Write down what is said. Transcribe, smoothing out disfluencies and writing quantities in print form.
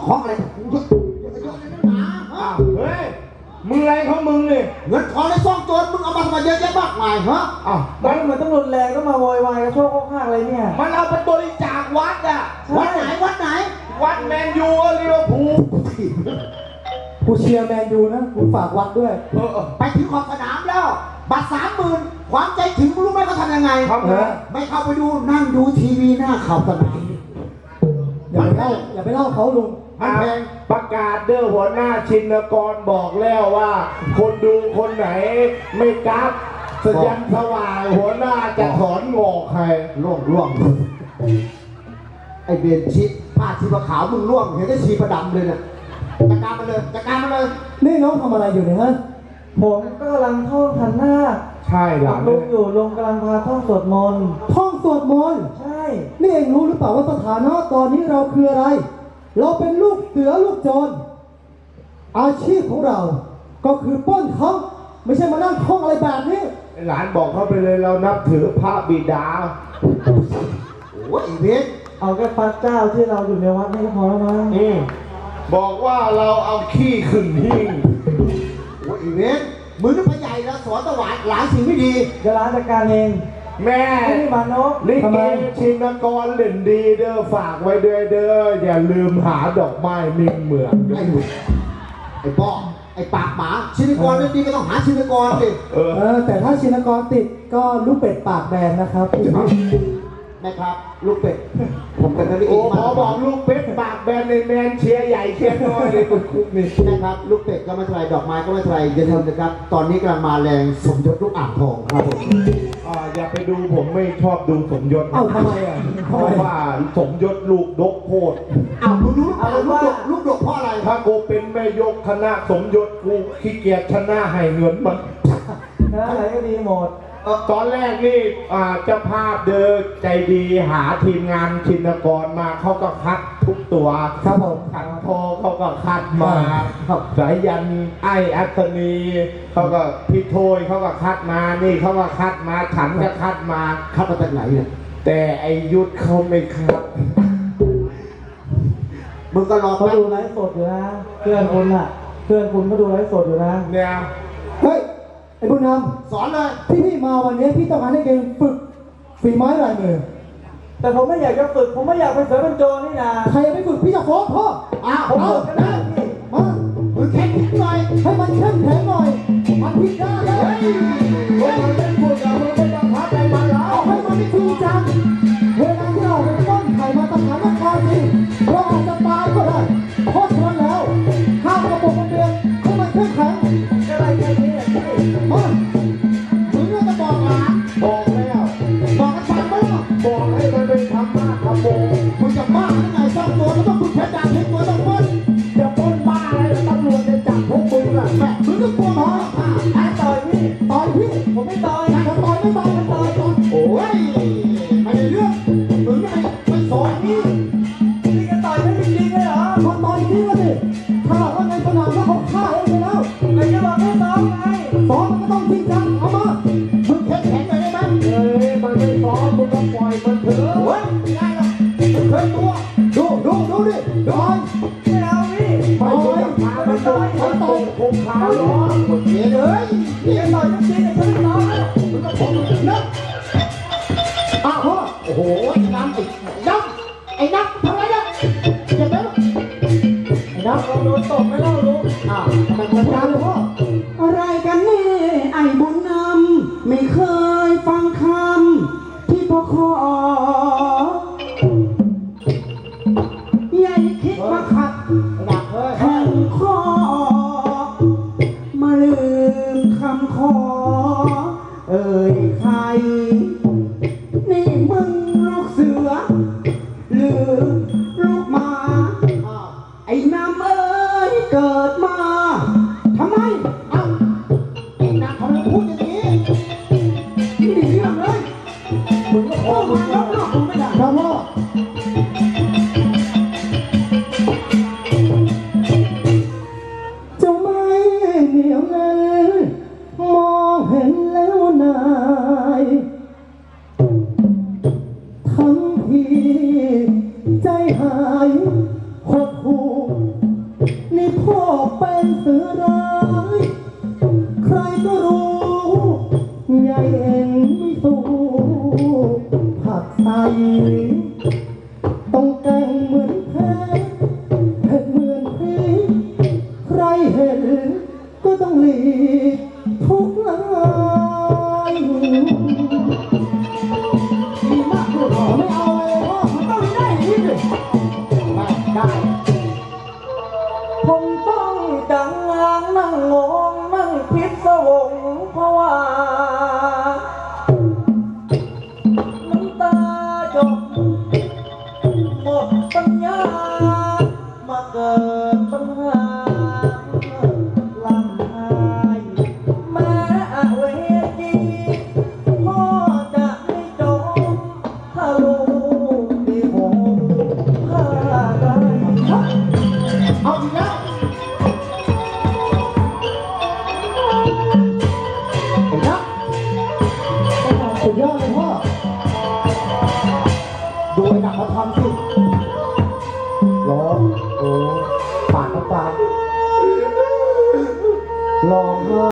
ของอะไรเฮ้ยมึงอะไรของมึงเนี่ยเงินทองในซ่องโจรมึงเอามาทำไมเยอะแยะมากมายฮะมันต้องรุนแรงก็มาโวยวายกระโชกข้างอะไรเนี่ยมันเอาไปบริจาควัดอ่ะวัดไหนวัดแมนยูลิเวอร์พูลกูเชียร์แมนยูนะกูฝากวัดด้วยไปถึงขอบสนามแล้วบัตร30,000ความใจถึงรู้ไหมเขาทำยังไงไม่เข้าไปดูนั่งดูทีวีหน้าขอบสนามอย่าไปเล่าเขาลุงประกาศเด้อหัวหน้าชินกรบอกแล้วว่า คนดูคนไหนไม่กราฟสัญญาณสว่างหัวหน้าจะถอนงอกใครล่วงไอเบนชีผ้าชีปะขาวมึงล่วงเห็นได้ชีประดำเลยเนี่ยจัดการมาเลยนี่น้องทำอะไรอยู่เนี่ยฮะผมก็กำลังท่องขันหน้าใช่หรอลุงอยู่ลุงกำลังพาท่องสวดมนต์ใช่นี่เองรู้หรือเปล่าว่าสถานะตอนนี้เราคืออะไรเราเป็นลูกเสือลูกโจรอาชีพของเราก็คือปล้นเขาไม่ใช่มานั่งท่องอะไรแบบนี้หลานบอกเขาไปเลยเรานับถือพระบิดาโอ้ยเบนเอาแค่พระเจ้าที่เราอยู่ในวัดนี่ก็พอแล้วมั้งบอกว่าเราเอาขี้ขึ้นหิ้งโอ้ยเบนมือนึกพระใหญ่แล้วสอนตะวันหลายสิ่งไม่ดีจะร้านจัดการเองแม่นี่มานกลิเกชินกรเล่นดีเด้อฝากไว้ด้วยเด้ออย่าลืมหาดอกไม้นิ่งเหมืองไอ้ป้อไอ้ปากหมาชินกรเล่นดีก็ต้องหาชินกรดิแต่ถ้าชินกรติดก็ลูกเป็ดปากแบนนะครับแม่ครับลูกเป็ดผมเป็นนักเรียนมาขอบอกลูกเป็ดปากแบนในแมนเชียร์ใหญ่เชียร์น้อยเลยคุณคุกนี่นะครับลูกเป็ดก็ไม่เท่าไรดอกไม้ก็ไม่เท่าไรอย่าลืมนะครับตอนนี้กำลังมาแรงสมยศลูกอ่างทองครับผมอย่าไปดูผมไม่ชอบดูสมยศทำไมอ่ะเพราะว่าสมยศลูกดกโคตรลูกดกเพราะอะไรถ้ากูเป็นแม่ยกคณะสมยศกูขี้เกียจชนะให้เงินมันอะไรก็ดีหมดตอนแรกนี่เจ้าภาพเดินใจดีหาทีมงานชินกรมาเขาก็คัดทุกตัวครับผมขันโทเขาก็คัดมาสายยันไอ้อัศนีเขาก็พี่โทยเขาก็คัดมานี่เขาก็คัดมาฉันก็คัดมาจากไหนเนี่ยแต่ไอยุทธเขาไม่คัดมึงก็รอเขาดูไลฟ์สดอยู่นะเพื่อนคุณก็ดูไลฟ์สดอยู่นะเนี่ยเฮ้ยไอ้บุญนำสอนเลยที่พี่มาวันนี้พี่ต้องการให้เก่งฝึกฝีไม้ลายมือแต่ผมไม่อยากจะฝึกผมไม่อยากเป็นเสือเป็นโจรนี่นะใครไม่ฝึกพี่จะฟ้องพ่อผมฝึกก็ได้พี่มามึงแข็งหน่อยให้มันเข้มแข็งหน่อยมันผิดได้เลยมันเป็นผู้ใหญ่มันไม่ต้องพักอะไรมาแล้วเอาให้มันไม่จริงจังเวลาที่เราไปต้นไข่มาตะหารครจริงเราอาจจะตายก็ได้เพราะฉะนั้นแล้วห้ามกระปุกมันเดือดให้มันเข้มแข็งอะไรแค่นี้มามึงก็จะบอกนะบอกแล้วบอกกันฟังไหมล่ะบอกให้มันเป็นธรรมะธรรมโมมึงจะบ้าหรือไงสร้างตัวแล้วต้องมึงแพ้ด่าเห็นตัวต้องมึงจะป้นบ้าอะไรตำรวจจะจับพวกมึงอ่ะแม่มึงก็กลัวหมอต่อยพี่ผมไม่ต่อยจะต่อยโอ้ยไม่ได้เรื่องมึงไม่สอนนี่จะต่อยไม่จริงเลยเหรอเขาต่อยจริงเลยถ้าว่าในสนามแล้วเขาฆ่าเองไปแล้วไม่จะบอกให้ซ้อมไงซ้อมมันก็ต้องจริงจังเอามามึงแข็งเลยได้ไหมมันไม่ซ้อมมึงก็ปล่อยมันเถอะโอ้ยไม่ได้หรอกมึงเคยตัวดูดิดูไม่เอาพี่ไปพามันต่อยคงคาล้อเฮ้ยเลยพี่จะต่อยจริงๆฉันไม่ต่อยมึงก็พอมึงนะโอ้โหน้ำไอ้น้ำทำไรเนี่ยเจ็บไหมไอ้น้ำเราโดนตบไม่เล่ารู้ทำไมมันการเลยพ่ออะไรกันนี่ไอ้บุญนำไม่เคยฟังคำที่พ่อขอใหญ่คิดมาขัดแข่งคอมาลืมคำขอเอ่ยใครนี่มึงลูกเสือหรือลูกหมาไอ้น้ำเอ้ยเกิดมาทำไมไอ้น้ำทำไมพูดอย่างนี้ไม่ได้เรื่องเลยมึงก็พอมาแล้วนะมึงไม่ได้ครับพ่อจะไม่เหนียวเลยมองเห็นแล้วนายทั้งที่ใจหายหดหู่เป็นเสือร้ายใครก็รู้ยายเอ็นไม่สู้ผักใสต้องแต่งเหมือนแพ้เผ็ดเหมือนพริกใครเห็นก็ต้องหลีกทุกลายดีมากเลยพ่อไม่เอาเลยพ่อมันต้องได้อย่างนี้สิไม่ได้ ผมต้องจังงางนั่งงงนั่งพิศวงเพราะว่าน้ำตาหยดหมดปัญญามาเกิดปัญหาลำไห้แม้เวทีพ่อจะไม่จบถ้าลูกดีผมพาได้เอาอีกแล้วเห็นแล้วสุดยอดเลยพ่อดูไอ้หนักมาทำสิร้องโอ้ปากน้ำตาร้องไห้